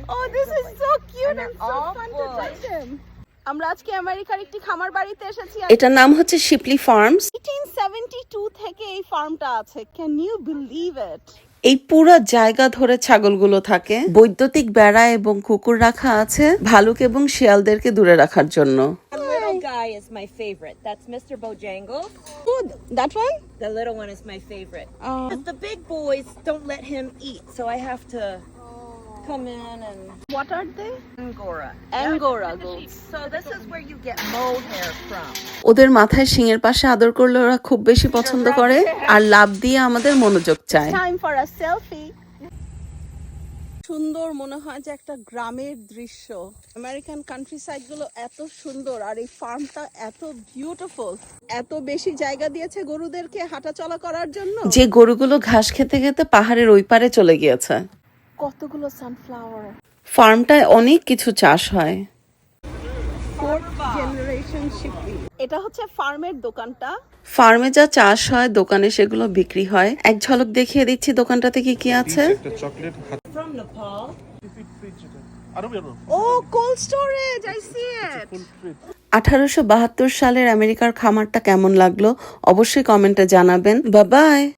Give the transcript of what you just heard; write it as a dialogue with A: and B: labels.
A: Oh, this is so cute
B: And
A: and
B: they're
A: so
B: all
A: fun to
B: full.
A: touch them. আমরা আজকে আমেরিকার একটি খামার বাড়িতে এসেছি।
C: এটার নাম হচ্ছে শিপলি ফার্মস।
A: 1872 থেকে এই ফার্মটা আছে। Can you believe it?
C: এই পুরো জায়গা ধরে ছাগলগুলো থাকে। বৈদ্যুতিক বেড়া এবং কুকুর রাখা আছে ভালুক এবং শিয়ালদেরকে দূরে রাখার জন্য।
B: The little guy is my favorite. That's Mr. Bojangles.
A: Oh, that one?
B: The little one is my favorite.
A: Oh.
B: 'Cause the big boys don't let him eat, so I have to come in and
A: What are they?
B: Angora.
A: Angora
B: Yeah,
A: goats.
B: So this is where you get mohair from.
C: ওদের মাথায় শিঙের পাশে আদর করলে ওরা খুব বেশি পছন্দ করে আর লাভ দিয়ে আমাদের মনোযোগ চায়।
A: Time for a selfie. সুন্দর মনে হয় যে একটা গ্রামের দৃশ্য। আমেরিকান কান্ট্রি সাইড গুলো এত সুন্দর আর এই ফার্মটা এত বিউটিফুল। এত বেশি জায়গা দিয়েছে গরুদেরকে হাঁটা চলা করার জন্য।
C: যে গরুগুলো ঘাস খেতে খেতে পাহাড়ের ওই পারে চলে গিয়েছে।
A: কতগুলো সানফ্লাওয়ার।
C: ফার্মটায় অনেক কিছু চাষ হয়।
A: এটা হচ্ছে ফার্মের দোকানটা।
C: ফার্মে যা চাষ হয় দোকানে সেগুলো বিক্রি হয়। এক ঝলক দেখিয়ে দিচ্ছি দোকানটাতে কি কি আছে।
B: From Nepal.
A: Oh, cold storage. I see it.
C: 1872 সালের আমেরিকার খামারটা কেমন লাগলো অবশ্যই কমেন্টে জানাবেন। Bye by.